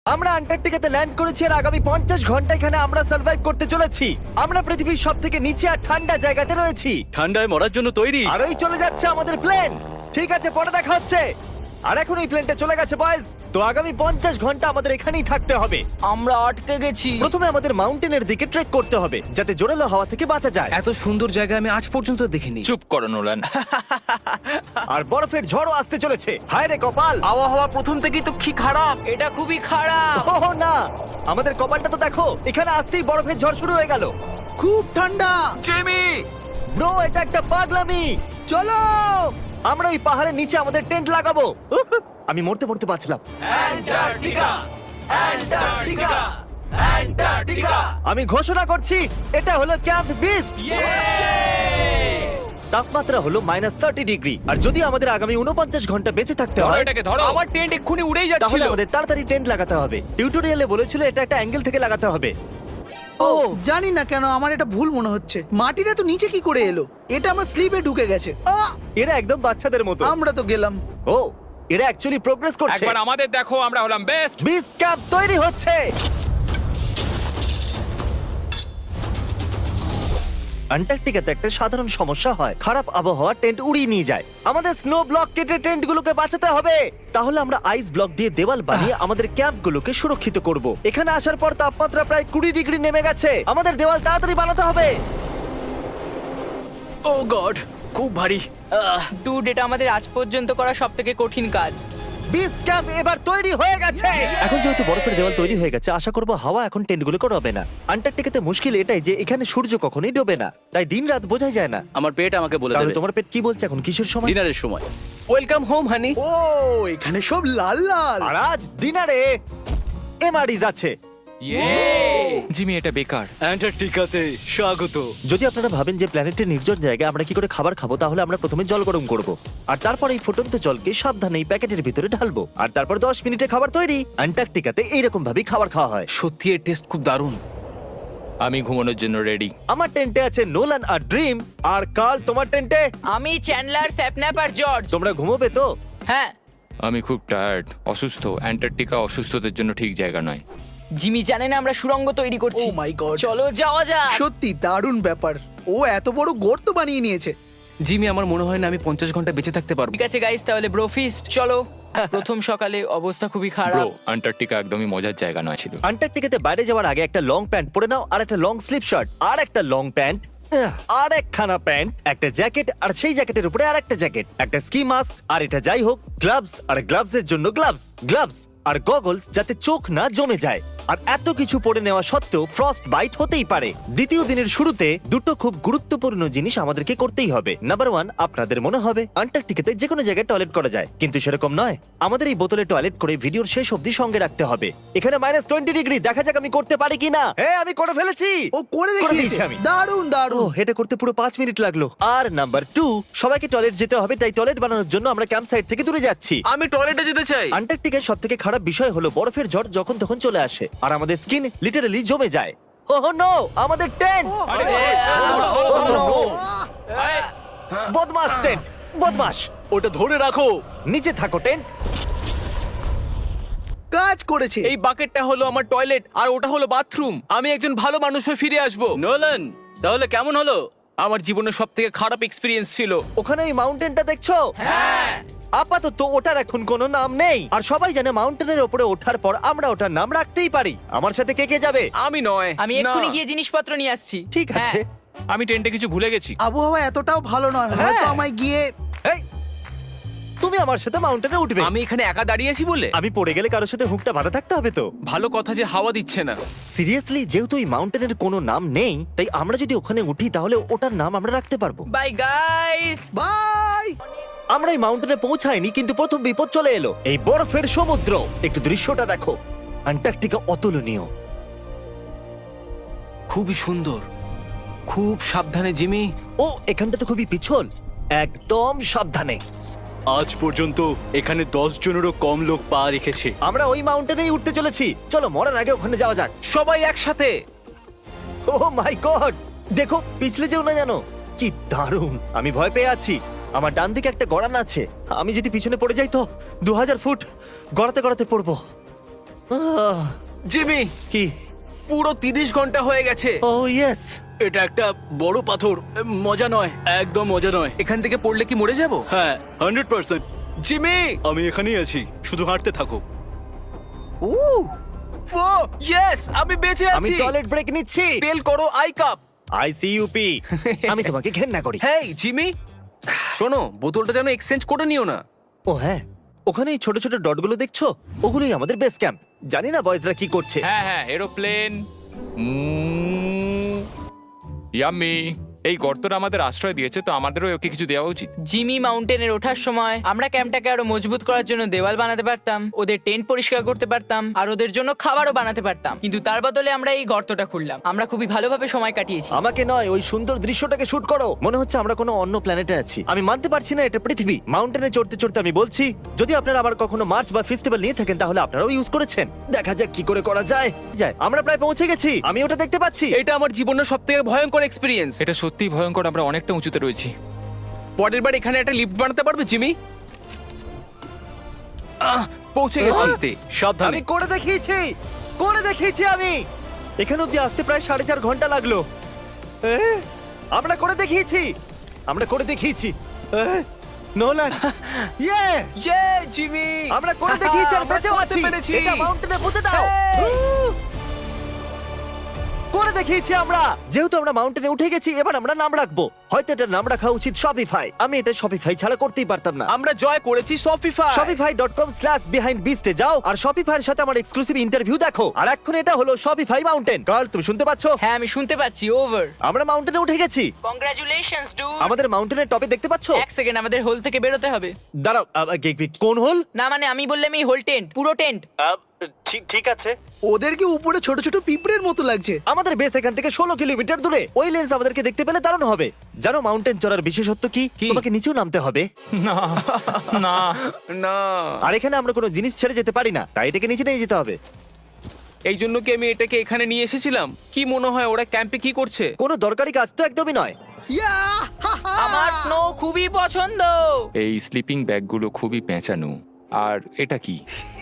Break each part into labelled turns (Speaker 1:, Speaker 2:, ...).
Speaker 1: আমরা আন্টার্কটিকাতে ল্যান্ড করেছি আর আগামী 50 ঘন্টা এখানে আমরা সার্ভাইভ করতে চলেছি। আমরা পৃথিবীর সবথেকে নিচে আর ঠান্ডা জায়গাতে রয়েছি।
Speaker 2: ঠান্ডায় মরার জন্য তৈরি।
Speaker 1: আর ওই চলে যাচ্ছে আমাদের প্লেন। ঠিক আছে, পরে দেখা হচ্ছে। আর এখন এই প্লেনটা চলে গেছে বয়েজ। তো আগামী 50 ঘন্টা আমাদের এখানেই থাকতে হবে।
Speaker 3: আমরা আটকে গেছি।
Speaker 1: প্রথমে আমাদের মাউন্টেনের দিকে ট্রেক করতে হবে যাতে জোরালো হাওয়া থেকে বাঁচা যায়।
Speaker 2: এত সুন্দর জায়গা আমি আজ পর্যন্ত দেখিনি।
Speaker 4: চুপ করো নোলান।
Speaker 1: আর বরফের ঝড়ও আসতে চলেছে। হায় রে কপাল!
Speaker 2: আবহাওয়া প্রথম থেকেই তো কি খারাপ।
Speaker 3: এটা খুবই খারাপ।
Speaker 1: ওহ না, আমাদের কপালটা তো দেখো, এখানে আসতেই বরফের ঝড় শুরু হয়ে গেল।
Speaker 5: খুব ঠান্ডা।
Speaker 2: জেমি,
Speaker 1: ব্রো, এটা একটা পাগলামি।
Speaker 5: চলো।
Speaker 1: আমরা ওই পাহাড়ের নিচে আমাদের টেন্ট লাগাবো। উহ, আমি মরতে মরতে বাঁচলাম। আমি ঘোষণা করছি, এটা হলো ক্যাম্প বিস্ট। তাপমাত্রা হলো -30 ডিগ্রি। আর যদি আমাদের আগামী 49 ঘন্টা বেঁচে থাকতে
Speaker 4: ধরো
Speaker 1: হয়,
Speaker 4: এটাকে, ধরো।
Speaker 2: আমার টেন্ট এক্ষুনি উড়েই
Speaker 1: তাহলে
Speaker 2: যাচ্ছিল।
Speaker 1: আমাদের তাড়াতাড়ি টেন্ট লাগাতে হবে। টিউটোরিয়ালে বলেছিল এটা একটা অ্যাঙ্গেল থেকে লাগাতে হবে।
Speaker 5: ও জানি না কেন আমার এটা ভুল মনে হচ্ছে। মাটিটা তো নিচে কি করে এলো? এটা আমার স্লিপে ঢুকে গেছে।
Speaker 1: এরা একদম বাচ্চাদের মতো।
Speaker 5: আমরা তো গেলাম।
Speaker 1: ও, এরা অ্যাকচুয়ালি প্রোগ্রেস করছে।
Speaker 4: একবার আমাদের দেখো, আমরা হলাম বেস্ট।
Speaker 1: বিচ ক্যাম্প তৈরি হচ্ছে। আন্টার্কটিকাতে একটা সাধারণ সমস্যা হয়, খারাপ আবহাওয়া টেন্ট উড়িয়ে নিয়ে যায়। আমাদের স্নো ব্লক কেটে টেন্টগুলোকে বাঁচাতে হবে। তাহলে আমরা আইস ব্লক দিয়ে দেওয়াল বানিয়ে আমাদের ক্যাম্পগুলোকে সুরক্ষিত করব। এখানে আসার পর তাপমাত্রা প্রায় 20 ডিগ্রি নেমে গেছে। আমাদের দেওয়াল তাড়াতাড়ি বানাতে হবে।
Speaker 2: ও গড, খুব ভারী।
Speaker 3: ডুড, এটা আমাদের আজ পর্যন্ত করা সবথেকে কঠিন কাজ।
Speaker 1: বিচ ক্যাম্প এবার তৈরি হয়ে গেছে। এখন যেহেতু বরফের দেওয়াল তৈরি হয়ে গেছে, আশা করব হাওয়া এখন টেন্টগুলোকে ডোবে না। আন্টার্কটিকাতে মুশকিল এটাই যে এখানে সূর্য কখনোই ডোবে না, তাই দিন রাত বোঝাই যায় না।
Speaker 2: আমার পেট আমাকে বলে
Speaker 1: তাহলে
Speaker 2: দেবে
Speaker 1: তোমার পেট কি বলছে এখন? কিসের সময়?
Speaker 2: ডিনারের সময়। Welcome home honey.
Speaker 5: ও এখানে সব লাল লাল।
Speaker 1: আর আজ ডিনারে এমআরইজ আছে।
Speaker 4: জিমি, এটা বেকার।
Speaker 2: অ্যান্টার্কটিকাতে স্বাগত।
Speaker 1: যদি আপনারা ভাবেন যে প্ল্যানেটের নির্জন জায়গায় আমরা কি করে খাবার খাবো, তাহলে আমরা প্রথমে জল গরম করব আর তারপর এই ফুটন্ত জলকে সাবধানে এই প্যাকেটের ভিতরে ঢালবো আর তারপর 10 মিনিটে খাবার তৈরি। অ্যান্টার্কটিকাতে এইরকম ভাবেই খাবার খাওয়া হয়।
Speaker 2: সত্যি এর টেস্ট খুব দারুণ।
Speaker 4: আমি ঘুমানোর জন্য রেডি।
Speaker 1: আমার টেন্টে আছে নোলান আর ড্রিম। আর কাল, তোমার টেন্টে?
Speaker 3: আমি চ্যান্ডলার, স্যাপন্যাপ আর জর্জ।
Speaker 1: তোমরা ঘুমোবে তো?
Speaker 3: হ্যাঁ।
Speaker 4: আমি খুব টায়ার্ড, অসুস্থ। অ্যান্টার্কটিকা অসুস্থদের জন্য ঠিক জায়গা নয়।
Speaker 3: জিমি জানে না আমরা সুড়ঙ্গ তৈরি করছি।
Speaker 5: Oh my God!
Speaker 3: চলো যাওয়া যাক।
Speaker 5: সত্যি দারুণ ব্যাপার। ও এত বড় গর্ত বানিয়ে নিয়েছে।
Speaker 2: জিমি, আমার মনে হয় না আমি 50 ঘন্টা বেঁচে থাকতে পারবো।
Speaker 3: ঠিক আছে গাইস, তাহলে ব্রোফিস্ট চলো। প্রথম সকালে অবস্থা খুবই
Speaker 4: ব্রো,
Speaker 3: খারাপ।
Speaker 4: অ্যান্টার্কটিকা একদমই মজার জায়গা নয় ছিল।
Speaker 1: আন্টার্কটিকাতে বাইরে যাওয়ার আগে একটা লং প্যান্ট পরে নাও, আর একটা লং স্লিভ শার্ট, আর একটা লং প্যান্ট, আর একখানা প্যান্ট, একটা জ্যাকেট, আর সেই জ্যাকেটের উপরে আর একটা জ্যাকেট, একটা স্কি মাস্ক, আর এটা যাই হোক গ্লাভস, আর গ্লাভসের জন্য গ্লাভস আর গগলস যাতে চোখ না জমে যায়। আর এত কিছু পরে নেওয়া সত্ত্বেও ফ্রস্ট বাইট হতেই পারে। দ্বিতীয় দিনের শুরুতে দুটো খুব গুরুত্বপূর্ণ জিনিস আমাদেরকে করতেই হবে। নাম্বার 1, আপনাদের মনে হবে আন্টার্কটিকাতে যে কোনো জায়গায় টয়লেট করা যায়, কিন্তু সেরকম নয়। আমাদের এই বোতলে টয়লেট করে ভিডিওর শেষ অবধি সঙ্গে রাখতে হবে। এখানে -20 ডিগ্রি, দেখা যাক আমি করতে পারি কিনা। হ্যাঁ, আমি করে ফেলেছি।
Speaker 5: ও করে
Speaker 1: দিয়েছি
Speaker 5: দেখিয়েছে।
Speaker 1: আমি।
Speaker 5: দারুণ
Speaker 1: ও,
Speaker 5: দারুণ।
Speaker 1: এটা করতে পুরো 5 মিনিট লাগলো। আর নাম্বার 2, সবাইকে টয়লেট যেতে হবে, তাই টয়লেট বানানোর জন্য আমরা ক্যাম্প সাইট থেকে দূরে যাচ্ছি।
Speaker 2: আমি টয়লেটে যেতে চাই।
Speaker 1: আন্টার্কটিকার সবথেকে খারাপ বিষয় হলো বরফের ঝড় যখন তখন চলে আসে আর আমাদের স্কিন লিটারালি জমে যায়। ওহ নো, আমাদের টেন্ট! বদমাস টেন্ট, বদমাস!
Speaker 2: ওটা ধরে রাখো।
Speaker 1: নিচে থাকো টেন্ট।
Speaker 5: কাজ করেছে।
Speaker 2: এই বাকেটটা হলো আমার টয়লেট আর ওটা হলো বাথরুম। আমি একজন ভালো মানুষ হয়ে ফিরে আসবো। নোলান, তাহলে কেমন হলো? আমার জীবনের সবথেকে খারাপ এক্সপেরিয়েন্স ছিল।
Speaker 1: ওখানে এই মাউন্টেনটা দেখছো? আপাতত ওটার এখন কোনো নাম নেই, আর সবাই জানে মাউন্টেনের উপরে ওঠার পর আমরা ওটার নাম রাখতেই পারি। আমার সাথে কে কে যাবে?
Speaker 2: আমি নয়।
Speaker 3: আমি
Speaker 2: না।
Speaker 3: এক্ষুনি গিয়ে জিনিসপত্র নিয়ে আসছি।
Speaker 1: ঠিক আছে।
Speaker 4: আমি টেন্টে কিছু ভুলে গেছি।
Speaker 5: আবহাওয়া এতটাও ভালো নয়,
Speaker 1: হ্যাঁ।
Speaker 5: হয়তো আমায় গিয়ে।
Speaker 1: এই, তুমি আমার সাথে মাউন্টেনে উঠবে?
Speaker 2: আমি এখানে একা দাঁড়িয়ে আছি বলে?
Speaker 1: আমি পড়ে গেলে কারোর সাথে হুকটা বাঁধা থাকতে হবে তো।
Speaker 2: ভালো কথা যে হাওয়া দিচ্ছে না।
Speaker 1: সিরিয়াসলি, যেহেতু এই মাউন্টেনের কোনো নাম নেই, তাই আমরা যদি ওখানে উঠি তাহলে ওটার নাম আমরা রাখতে পারবো।
Speaker 3: Bye guys.
Speaker 5: বাই।
Speaker 1: আমরা এই মাউন্টেনে পৌঁছাইনি, কিন্তু প্রথম বিপদ চলে এলো, এই বরফের সমুদ্র। একটু দৃশ্যটা দেখো, অ্যান্টার্কটিকা অতুলনীয়।
Speaker 2: খুবই সুন্দর। খুব সাবধানে জিমি।
Speaker 1: ও, এখানটা তো খুবই পিছল। একদম সাবধানে।
Speaker 6: আজ পর্যন্ত এখানে 10 জনেরও কম লোক পা রেখেছে।
Speaker 1: আমরা ওই মাউন্টেনেই উঠতে চলেছি। চলো মরার আগে ওখানে যাওয়া যাক।
Speaker 2: সবাই একসাথে।
Speaker 1: ও মাই গড, দেখো পিছলে যেও না জানো। কি দারুণ! আমি ভয় পেয়ে আছি। আমার ডান দিকে একটা গড়ান আছে, আমি যদি পিছনে পড়ে যাই তো 2000 ফুট গড়াতে গড়াতে পড়বো।
Speaker 2: জিমি,
Speaker 1: কি?
Speaker 2: পুরো 30 ঘন্টা হয়ে গেছে।
Speaker 1: Oh yes.
Speaker 6: এটা একটা বড় পাথর, মজা নয়, একদম মজা নয়।
Speaker 2: এখান থেকে পড়লে কি মরে যাব?
Speaker 6: হ্যাঁ 100%।
Speaker 2: জিমি,
Speaker 6: আমি এখানেই আছি, শুধু হাঁটতে থাকো।
Speaker 2: ইয়েস, আমি বেঁচে
Speaker 1: আমি
Speaker 2: আছি।
Speaker 1: টয়লেট ব্রেক নিচ্ছি।
Speaker 2: স্পেল করো আই কাপ।
Speaker 1: আইসিইউপি। আমি তোমাকে ঘেন্না করি।
Speaker 2: হেই জিমি, শোনো, বোতলটা যেন এক্সচেঞ্জ করে নিও না।
Speaker 1: ও হ্যাঁ, ওখানে এই ছোট ছোট ডটগুলো দেখছো, ওগুলোই আমাদের বেস ক্যাম্প। জানি না বয়েজরা কি করছে।
Speaker 4: হ্যাঁ হ্যাঁ, এরোপ্লেন। ইয়াম্মি। এই গর্তটা আমাদের আশ্রয় দিয়েছে, তো আমাদেরও ওকে কিছু দেওয়া উচিত।
Speaker 3: জিমি মাউন্টেনের ওঠার সময় আমরা ক্যাম্পটাকে আরো মজবুত করার জন্য দেওয়াল বানাতে পারতাম, ওদের টেন্ট পরিষ্কার করতে পারতাম, আর ওদের জন্য খাবারও বানাতে পারতাম। কিন্তু তার বদলে আমরা এই গর্তটা খুললাম। আমরা খুবই ভালোভাবে সময় কাটিয়েছি।
Speaker 1: আমাকে নয়, ওই সুন্দর দৃশ্যটাকে শুট করো। মনে হচ্ছে আমরা কোনো অন্য প্ল্যানেটে আছি। আমি মানতে পারছি না এটা পৃথিবী। মাউন্টেনে চড়তে চড়তে আমি বলছি, যদি আপনারা আবার কখনো মার্চ বা ফেস্টিভ্যাল নিয়ে থাকেন তাহলে আপনারাও ইউজ করেছেন। দেখা যাক কি করে করা যায়। আমরা প্রায় পৌঁছে গেছি, আমি ওটা দেখতে পাচ্ছি।
Speaker 2: এটা আমার জীবনের সবথেকে ভয়ঙ্কর এক্সপেরিয়েন্স।
Speaker 4: এটা সত্যিই ভয়ঙ্কর, আমরা অনেকটা উঁচুতে রয়েছি।
Speaker 2: পরের বার এখানে একটা লিফট বানাতে পারবে জিমি? পৌঁছে গেছি।
Speaker 6: সাবধানে।
Speaker 1: আমি করে দেখিয়েছি আমি। এখানে অব্দি আসতে প্রায় 4.5 ঘন্টা লাগলো। আমরা করে দেখিয়েছি। নোলান, ইয়ে!
Speaker 2: জিমি,
Speaker 1: আমরা করে দেখিয়েছি আর বেঁচেও
Speaker 2: করতে
Speaker 1: আছি।
Speaker 2: পেরেছি।
Speaker 1: এটা মাউন্টেনে পুঁতে দাও। করে দেখিয়েছি আমরা। যেহেতু আমরা মাউন্টেনে উঠে গেছি, এবার আমরা নাম রাখবো। হয়তো এটার নাম রাখা উচিত শপিফাই। আমি এটা শপিফাই ছাড়া করতেই পারতাম না।
Speaker 2: আমরা জয় করেছি শপিফাই।
Speaker 1: shopify.com/behindbeast এ যাও আর শপিফাই এর সাথে আমার এক্সক্লুসিভ ইন্টারভিউ দেখো। আর এখন এটা হলো শপিফাই মাউন্টেন। কাল তুমি শুনতে পাচ্ছো?
Speaker 3: হ্যাঁ, আমি শুনতে পাচ্ছি। ওভার।
Speaker 1: আমরা মাউন্টেনে উঠে গেছি।
Speaker 3: Congratulations dude.
Speaker 1: আমাদের মাউন্টেনের টপে দেখতে পাচ্ছো?
Speaker 3: এক সেকেন্ড, আমাদের হোল থেকে বেরোতে হবে।
Speaker 1: দাঁড়াও, কোন হোল?
Speaker 3: না মানে আমি বললাম এই হোল টেন্ট, পুরো টেন্ট।
Speaker 1: ঠিক আছে।
Speaker 5: ওদেরকে উপরে ছোট ছোট পিঁপড়ের মতো লাগছে।
Speaker 1: আমাদের বেস এখান থেকে 16 কিলোমিটার দূরে। ওই লেন্স আমাদেরকে দেখতে পেলে দারুণ হবে। জানো মাউন্টেন চড়ার বিশেষত্ব কি? তোমাকে নিচেও নামতে হবে।
Speaker 4: না না
Speaker 2: না,
Speaker 1: আর এখানে আমরা কোনো জিনিস ছেড়ে যেতে পারি না, তাই এটাকে নিচে নিয়ে যেতে হবে।
Speaker 2: এই জন্য কি আমি এটাকে এখানে নিয়ে এসেছিলাম? কি মনে হয় ওরা ক্যাম্পে কি করছে?
Speaker 1: কোনো দরকারি কাজ তো একদমই নয়।
Speaker 5: ইয়া! হা, হা!
Speaker 3: আমার স্নো খুবই পছন্দ।
Speaker 4: এই স্লিপিং ব্যাগগুলো খুবই পেঁচানো। আর এটা কি?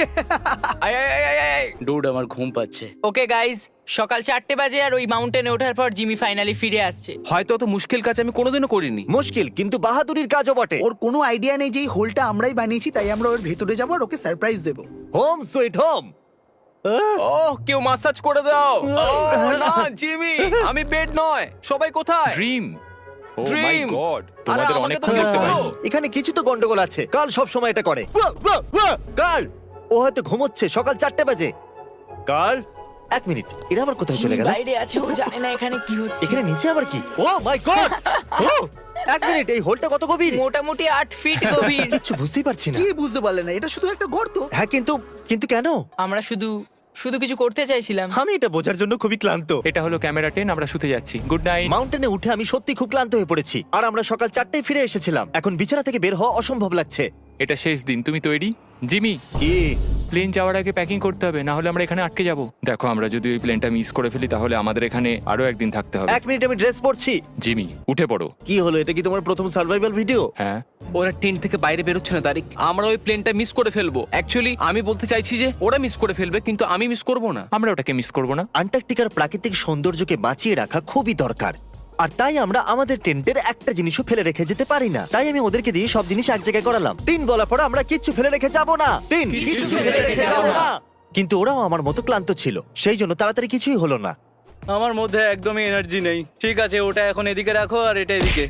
Speaker 6: ডুড, আমার ঘুম পাচ্ছে।
Speaker 3: ওকে গাইজ, সকাল 4টে বাজে আর ওই মাউন্টেনে ওঠার পর জিমি ফাইনালি ফিরে আসছে।
Speaker 2: হয়তো অত মুশকিল কাজ আমি কোনোদিনও করিনি।
Speaker 1: মুশকিল কিন্তু বাহাদুরির কাজও বটে।
Speaker 5: ওর কোনো আইডিয়া নেই যে এই হোলটা আমরাই বানিয়েছি, তাই আমরা ওর ভেতরে যাবো আর ওকে সারপ্রাইজ দেবো।
Speaker 1: Home sweet home.
Speaker 2: ওহ, কেউ মাসাজ করে দাও। না জিমি, আমি বেড নয়। সবাই কোথায়?
Speaker 4: Dream. Oh my
Speaker 2: Dream!
Speaker 4: God,
Speaker 2: আরে,
Speaker 4: তোমাদের
Speaker 2: আমাকে
Speaker 4: অনেক
Speaker 2: তো
Speaker 4: দেখতে
Speaker 2: বলো।
Speaker 4: পাইনি।
Speaker 1: এখানে কিছু তো গন্ডগোল আছে। কাল সব সময় এটা করে। কাল ও হয়তো ঘুমোচ্ছে। সকাল 4টে বাজে। কাল 1 মিনিট, এরা আবার কোথায় চলে
Speaker 3: জিমি
Speaker 1: গেল?
Speaker 3: বাইরে আছে, ও জানে না এখানে কি হচ্ছে।
Speaker 1: এখানে নিচে আবার কি? ও মাই গড! 1 মিনিট, এই হোলটা কত গভীর?
Speaker 3: মোটামুটি 8 ফিট গভীর।
Speaker 1: কিচ্ছু বুঝতেই পারছি না।
Speaker 5: কি বুঝতে পারলে না? এটা শুধু একটা গর্ত।
Speaker 1: হ্যাঁ, কিন্তু কেন?
Speaker 3: আমরা শুধু কিছু করতে চাইছিলাম।
Speaker 1: আমি এটা বোঝার জন্য খুবই ক্লান্ত।
Speaker 4: এটা হলো ক্যামেরা 10, আমরা শুতে যাচ্ছি। Good night.
Speaker 1: মাউন্টেনে উঠে আমি সত্যি খুব ক্লান্ত হয়ে পড়েছি। আর আমরা সকাল 4টায় ফিরে এসেছিলাম। এখন বিছানা থেকে বের হওয়া অসম্ভব লাগছে।
Speaker 4: এটা শেষ দিন, তুমি তৈরি? জিমি,
Speaker 1: কি?
Speaker 4: প্লেন যাওয়ার আগে প্যাকিং করতে হবে, না হলে আমরা এখানে আটকে যাব। দেখো, আমরা যদি ওই প্লেনটা মিস করে ফেলি তাহলে আমাদের এখানে আরো একদিন থাকতে হবে।
Speaker 1: 1 মিনিট, আমি ড্রেস পরছি।
Speaker 4: জিমি, উঠে পড়ো।
Speaker 1: কি হলো? এটা কি তোমার প্রথম সার্ভাইভাল ভিডিও?
Speaker 4: হ্যাঁ।
Speaker 2: ওরা টেন্ট থেকে বাইরে বেরোচ্ছে না তারিক। আমরা ওই প্লেনটা মিস করে ফেলবো। অ্যাকচুয়ালি আমি বলতে চাইছি যে ওরা মিস করে ফেলবে, কিন্তু আমি মিস করব না।
Speaker 4: আমরা ওটাকে মিস করব না।
Speaker 1: আন্টার্কটিকার প্রাকৃতিক সৌন্দর্যকে বাঁচিয়ে রাখা খুবই দরকার। আর তাই আমরা আমাদের টেন্টের একটা জিনিসও ফেলে রেখে যেতে পারি না। তাই আমি ওদেরকে দিয়ে সব জিনিস এক জায়গায় করালাম। 3 বলার পর আমরা কিচ্ছু ফেলে রেখে যাব না। 3 কিছু ফেলে রেখে যাব না। কিন্তু ওরাও আমার মতো ক্লান্ত ছিল, সেই জন্য তাড়াতাড়ি কিছুই হলো না।
Speaker 6: আমার মধ্যে একদমই এনার্জি নেই। ঠিক আছে, ওটা এখন এদিকে রাখো আর এটা এদিকে।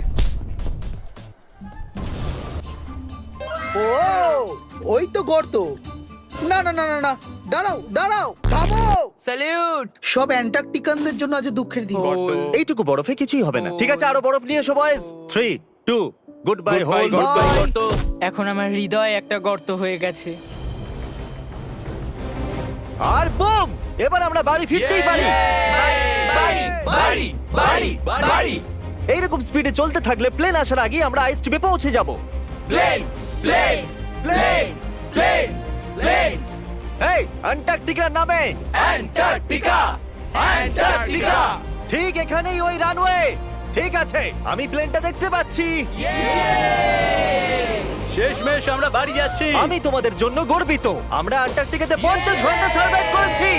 Speaker 5: ও, ওই তো গর্ত। না না না না না, দাঁড়াও দাঁড়াও, থামো।
Speaker 3: স্যালিউট।
Speaker 5: সব অ্যান্টার্কটিকানদের জন্য আজ দুঃখের দিন।
Speaker 1: এইটুকু বরফে কিছুই হবে না। ঠিক আছে, আরো বরফ নিয়ে এসো বয়েজ। 3, 2, good bye whole.
Speaker 3: এখন আমার হৃদয় একটা গর্ত হয়ে গেছে।
Speaker 1: আর বুম! এবার আমরা বাড়ি ফিরতেই পারি।
Speaker 3: বাড়ি বাড়ি বাড়ি বাড়ি।
Speaker 1: এইরকম স্পিডে চলতে থাকলে প্লেন আসার আগে আমরা আইস টিপে পৌঁছে যাব।
Speaker 3: Plane plane plane plane plane.
Speaker 1: এই অ্যান্টার্কটিকার নামে।
Speaker 3: Antarctica Antarctica.
Speaker 1: ঠিক এখানেই ওই রানওয়ে। ঠিক আছে, আমি প্লেনটা দেখতে পাচ্ছি।
Speaker 6: শেষমেশ আমরা বাড়ি যাচ্ছি।
Speaker 1: আমি তোমাদের জন্য গর্বিত। আমরা আন্টার্কটিকাতে 50 ঘন্টা সার্ভাইভ করেছি।